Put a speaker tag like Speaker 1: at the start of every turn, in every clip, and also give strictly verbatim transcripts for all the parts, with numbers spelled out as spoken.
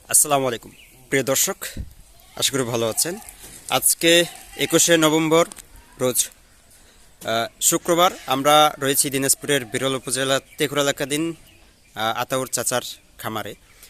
Speaker 1: আসসালামু আলাইকুম প্রিয় দর্শক, আশা করি ভালো আছেন। আজকে একুশে নভেম্বর রোজ শুক্রবার। আমরা রয়েছি দিনাজপুরের বিরল উপজেলা তেঘুরা এলাকাধীন আতাউর চাচার খামারে।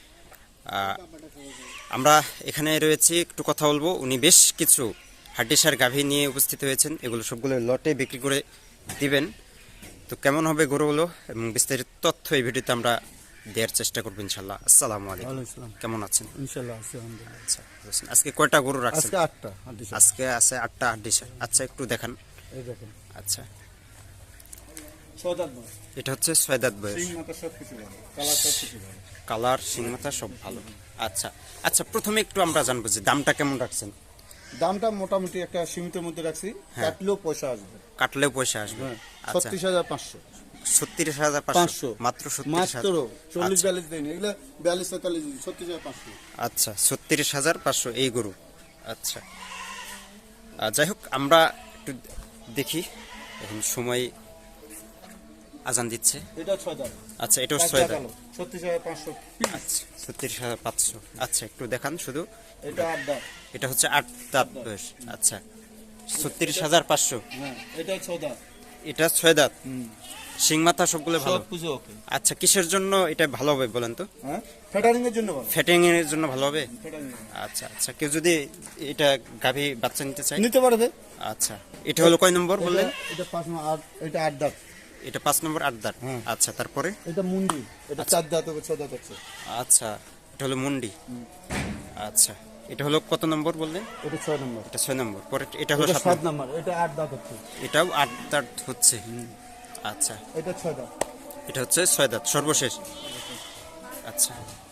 Speaker 1: আমরা এখানে রয়েছি, একটু কথা বলবো। উনি বেশ কিছু হাড্ডিসার গাভী নিয়ে উপস্থিত হয়েছেন, এগুলো সবগুলো লটে বিক্রি করে দিবেন। তো কেমন হবে গরুগুলো এবং বিস্তারিত তথ্য এই ভিডিওতে আমরা দেওয়ার চেষ্টা করবো ইনশাল্লাহ। আসসালামু আলাইকুম, কেমন আছেন?
Speaker 2: ইনশাআল্লাহ আছি আলহামদুলিল্লাহ।
Speaker 1: আচ্ছা, আজকে কয়টা গরু রাখছেন?
Speaker 2: আজকে আটটা হাড্ডিসার।
Speaker 1: আজকে আছে আটটা হাড্ডিসার। আচ্ছা, একটু দেখান।
Speaker 2: এই দেখেন,
Speaker 1: আচ্ছা,
Speaker 2: ছয় দাঁত বয়স,
Speaker 1: এটা হচ্ছে ছয় দাঁত বয়স।
Speaker 2: সিং মাথা সব কিছু ভালো, কালার সব কিছু ভালো।
Speaker 1: কালার, শিং মাথা সব ভালো। আচ্ছা আচ্ছা, প্রথমে একটু আমরা জানবো যে দামটা কেমন রাখছেন?
Speaker 2: দামটা মোটামুটি একটা সীমিতের মধ্যে রাখছি, কাটলেও পয়সা আসবে।
Speaker 1: কাটলেও পয়সা আসবে। আচ্ছা,
Speaker 2: ছত্রিশ হাজার পাঁচশো।
Speaker 1: ছত্রিশ হাজার পাঁচশো
Speaker 2: পাঁচশো
Speaker 1: মাত্র ছত্রিশ
Speaker 2: মাত্র
Speaker 1: হাজার।
Speaker 2: চল্লিশ বিয়াল্লিশ দেয়নি, এগুলো বিয়াল্লিশ তেতাল্লিশ ছত্রিশ হাজার পাঁচশো।
Speaker 1: আচ্ছা, ছত্রিশ হাজার পাঁচশো এই গরু। আচ্ছা, আহ, যাই হোক, আমরা একটু দেখি। এখন সময় আজান দিচ্ছে।
Speaker 2: এটা ছয় দাঁত।
Speaker 1: আচ্ছা, এটাও ছয় দাঁত।
Speaker 2: ছত্রিশ হাজার পাঁচশো।
Speaker 1: আচ্ছা, ছত্রিশ হাজার পাঁচশো। আচ্ছা, একটু দেখান শুধু।
Speaker 2: এটা আট দাঁত।
Speaker 1: এটা হচ্ছে আট দাঁত বয়স। আচ্ছা, ছত্রিশ হাজার পাঁচশো।
Speaker 2: হ্যাঁ, এটা ছয় দাঁত।
Speaker 1: এটা ছয় দাঁত। শিং মাথা সবগুলো ভালো।
Speaker 2: সব পুজো ওকে।
Speaker 1: আচ্ছা, কিসের জন্য এটা ভালো হবে বলেন তো?
Speaker 2: হ্যাঁ, ফ্যাটারিং এর জন্য ভালো।
Speaker 1: ফ্যাটিং এর জন্য ভালো হবে।
Speaker 2: ফ্যাটারিং
Speaker 1: আচ্ছা আচ্ছা, কেউ যদি এটা গাভী বাচ্চা নিতে চায়
Speaker 2: নিতে পারবে।
Speaker 1: আচ্ছা, এটা হলো কয় নম্বর বললেন?
Speaker 2: এটা- এটা পাঁচ নম্বর, আট, এটা আট দাঁত।
Speaker 1: এটা পাঁচ নম্বর, আট দাঁত।
Speaker 2: হ্যাঁ।
Speaker 1: আচ্ছা, তারপরে?
Speaker 2: এটা মুন্ডি, এটা চার দাঁত হবে, ছয় দাঁত হচ্ছে।
Speaker 1: আচ্ছা, এটা হলো মুন্ডি। আচ্ছা, এটা হলো কত নম্বর বললেন?
Speaker 2: এটা ছয় নম্বর।
Speaker 1: এটা ছয় নম্বর। পরে এটা হলো
Speaker 2: এটা
Speaker 1: সাত
Speaker 2: সাত
Speaker 1: নম্বর।
Speaker 2: নম্বর, এটা আট দাঁত হচ্ছে।
Speaker 1: এটাও আট দাঁত হচ্ছে। আচ্ছা,
Speaker 2: এটা ছয় দাঁত।
Speaker 1: এটা হচ্ছে ছয় দাঁত সর্বশেষ। আচ্ছা,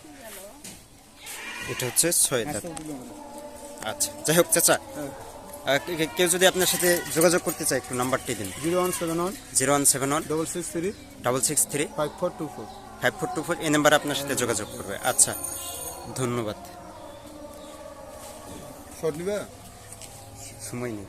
Speaker 1: এটা হচ্ছে ছয় দাঁত। আচ্ছা, যাই হোক চাচা, আহ, কে- কে- কেউ যদি আপনার সাথে যোগাযোগ করতে চায় একটু নাম্বারটি দিন।
Speaker 2: Zero one seven one
Speaker 1: zero one seven one
Speaker 2: double six three
Speaker 1: double six three
Speaker 2: five four two four.
Speaker 1: Five four two four এই নাম্বারে আপনার সাথে যোগাযোগ করবে। আচ্ছা, ধন্যবাদ।
Speaker 2: শর্ট নিবে?
Speaker 1: সময় নেই।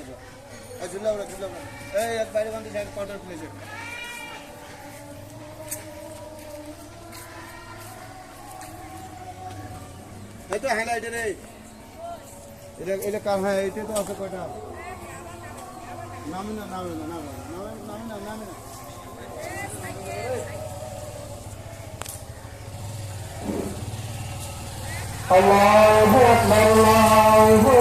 Speaker 2: এই তো হ্যাঁ, এটা রে, এটা এটা কার? হ্যাঁ, এটা তো আছে। কয়টা? নামে না, নামে না, নামে না, নামে না, নামে না।
Speaker 3: الله أكبر الله